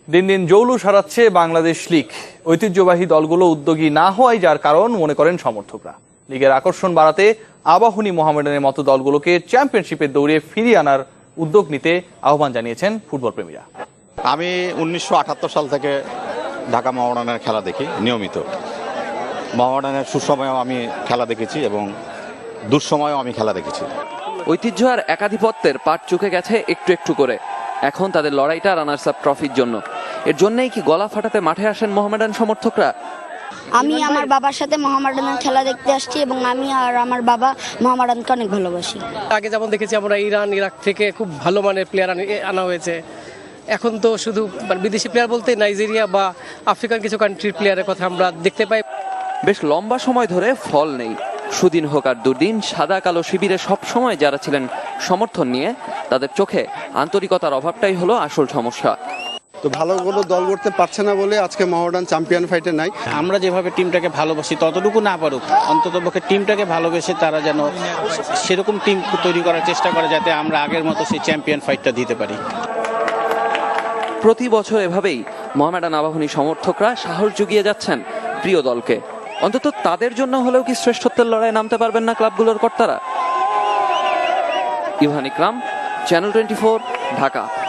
দিন দিন জৌলুস হারাচ্ছে বাংলাদেশ লীগ। ঐতিহ্যবাহী দলগুলো উদ্যোগী না হওয়ায় যার কারণ মনে করেন সমর্থকরা। লীগের আকর্ষণ বাড়াতে আবাহনী, মোহামেডানের মতো দলগুলোকে চ্যাম্পিয়নশিপের দৌড়ে ফিরিয়ে আনার উদ্যোগ নিতে আহ্বান জানিয়েছেন ফুটবল প্রেমীরা। আমি 1978 সাল থেকে ঢাকা মোহামেডানের খেলা দেখি নিয়মিত। মোহামেডানের সুসময়েও আমি খেলা দেখেছি এবং দুঃসময়েও আমি খেলা দেখেছি। ঐতিহ্য আর একাধিপত্যের পাট চুকে গেছে একটু একটু করে। এখন তাদের লড়াইটা রানার্স আপ ট্রফির জন্য। এর জন্যই কি গলা ফাটাতে মাঠে আসেন মোহামেডান সমর্থকরা? আমি আমার বাবার সাথে মোহামেডানের খেলা দেখতে আসছি এবং আমি আর আমার বাবা মোহামেডানকে অনেক ভালোবাসি। আগে যেমন দেখেছি আমরা ইরান, ইরাক থেকে খুব ভালো মানের প্লেয়ার আনা হয়েছে। এখন তো শুধু বিদেশি প্লেয়ার বলতে নাইজেরিয়া বা আফ্রিকান কিছু কান্ট্রির প্লেয়ারের কথা আমরা দেখতে পাই। বেশ লম্বা সময় ধরে ফল নেই। সুদিন হোক আর দুর্দিন, সাদা কালো শিবিরে সব সময় যারা ছিলেন সমর্থন নিয়ে, তাদের চোখে আন্তরিকতার অভাবটাই হলো আসল সমস্যা। তো ভালো কোনো দল করতে পারছে না বলে আজকে মোহামেডান চ্যাম্পিয়ন ফাইটে নাই। আমরা যেভাবে টিমটাকে ভালোবাসি ততটুকু না পারুক, অন্তত পক্ষে টিমটাকে ভালোবেসে তারা যেন সেরকম টিম তৈরি করার চেষ্টা করে যাতে আমরা আগের মতো সেই চ্যাম্পিয়ন ফাইটটা দিতে পারি। প্রতি বছর এভাবেই মোহামেডান আবাহনী সমর্থকরা সাহস জুগিয়ে যাচ্ছেন প্রিয় দলকে। অন্তত তাদের জন্য হলেও কি শ্রেষ্ঠত্বের লড়াই নামতে পারবেন না ক্লাবগুলোর কর্তারা? ইভান ইকরাম, চ্যানেল 24, ঢাকা।